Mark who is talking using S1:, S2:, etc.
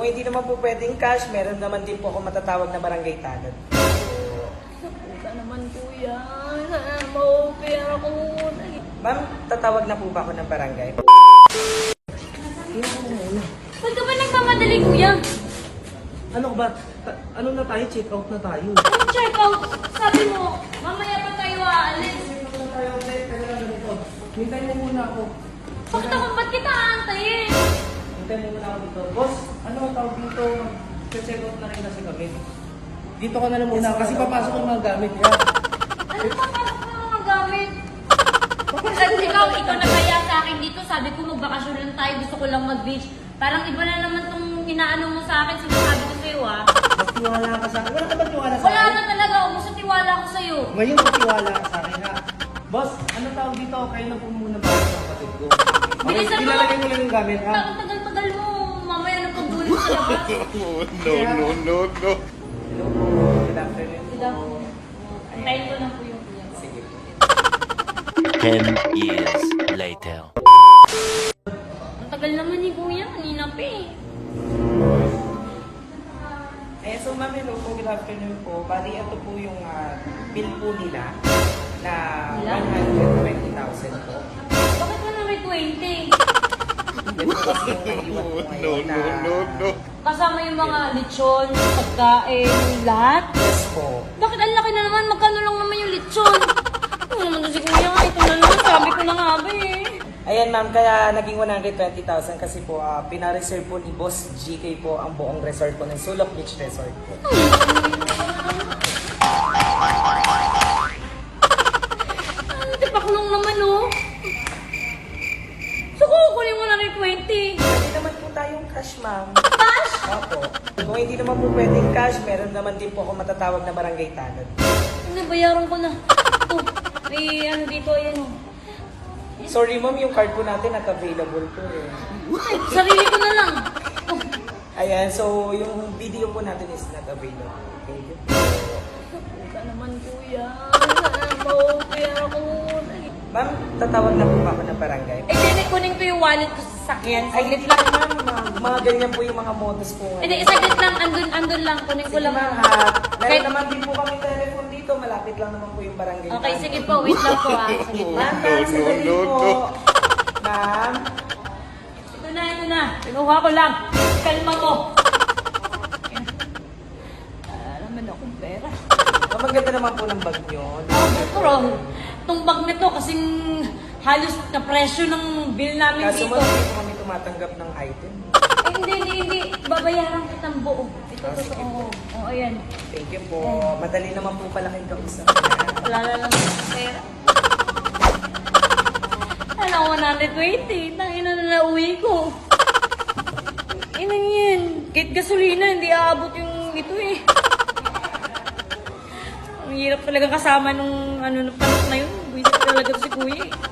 S1: hindi naman po pwedeng cash, meron naman din po ako matatawag na barangay tanod.
S2: Puta naman kuya. Sana ma-okay ako.
S1: Ma'am, tatawag na po ba ako ng barangay?
S2: Ba't ka ba nagmamadali kuya?
S3: Ano ba? Ano na tayo? Check out na tayo.
S2: Anong check out? Sabi mo, mamaya pa tayo aalis.
S3: Hintay mo muna ako.
S2: Ba't kita aantayin?
S3: Hintay mo muna ako dito. Boss, ano ang tawag dito? Check out na rin kasi kami. Dito ka na lang muna kasi papasok ang mga gamit.
S2: Ano pa pasok ng mga gamit? Kasi ikaw nagkaya sa akin dito. Sabi ko magbakasyon lang tayo. Gusto ko lang mag-beach. Parang iba na naman tong inaano mo sa akin. Sinasabi ko sa'yo ah.
S3: Mas tiwala ka sa akin. Wala ka ba tiwala sa
S2: Wala
S3: akin?
S2: na talaga. Ubus sa tiwala ko sa'yo.
S3: Ngayon magtiwala ka sa akin ha. Boss, ano tawag dito? Kayo na po muna ba sa kapatid ko? Okay,
S2: Bilisan mo.
S3: ilalagay mo lang yung gamit ha.
S2: Ang tagal-tagal mo. Mamaya na pagdulit sa labas.
S4: No.
S1: Hello po, good afternoon po.
S2: Sila po. Antayin ko lang po yung kuya.
S1: Sige po.
S4: 10 years later.
S2: Ang tagal naman ni kuya. Kanina pa eh.
S1: So ma'am, hello po, good afternoon po. Bali, ito po yung bill po nila na
S2: Ilan?
S1: 120,000 po.
S2: Bakit mo na may 20?
S1: Yan po kasi yung naiwan po ngayon na...
S2: Kasama yung mga lechon, pagkain, lahat.
S1: Yes po.
S2: Bakit ang laki na naman? Magkano lang naman yung lechon? Ano naman to si kuya? Ito na naman. Sabi ko na nga ba eh.
S1: Ayan ma'am, kaya naging 120,000 kasi po pina-reserve po ni Boss GK po ang buong resort po ng Sulok Beach Resort po.
S2: Ano, tipaklong naman oh. So kukunin mo na rin 20.
S1: Hindi naman po tayong cash ma'am.
S2: Cash?
S1: Opo. Kung hindi naman po pwedeng cash, meron naman din po ako matatawag na barangay tanod.
S2: Ano, bayaran ko na. Ito, may ano dito, ayan oh.
S1: Sorry ma'am, yung card po natin not available po eh.
S2: Ay, sarili ko na lang. Oh,
S1: Ayan, so yung video po natin is not available. Thank you.
S2: puta naman kuya. Sana ma-okay ako.
S1: Ma'am, tatawag na po ba ako ng barangay?
S2: Eh, hindi, kunin ko yung wallet ko sa sasakyan.
S1: Ay,
S2: Saglit
S1: hindi
S2: lang.
S1: lang ma'am. Mga ganyan po yung mga modus po.
S2: Hindi, saglit lang. Andun lang. Kunin ko
S1: Sige
S2: lang.
S1: ma'am, meron naman din po kami telephone dito. Malapit lang naman po yung barangay.
S2: Okay, sige po. Wait lang po ah. Saglit lang.
S1: Ma'am, sandali po. Ma'am,
S2: Ito na. Pinuha ko lang. Kalma mo. Wala naman akong pera.
S1: maganda naman po ng bag nyo.
S2: Pero, itong bag na to kasing halos na presyo ng bill namin
S1: Kaso
S2: dito.
S1: mo, hindi po kami tumatanggap ng item.
S2: Eh, hindi. Babayaran kitang buo. Ito,
S1: sige
S2: totoo. Oo, ayan.
S1: Thank you po. Madali naman po pala kayong kausap.
S2: Wala na lang akong pera. Ano, 120. Tangina na nauwi ko. Inang yan. Kahit gasolina, hindi aabot yung ito eh. Ang hirap talaga kasama nung ano, panok na yun. Buwisit talaga to si kuya eh.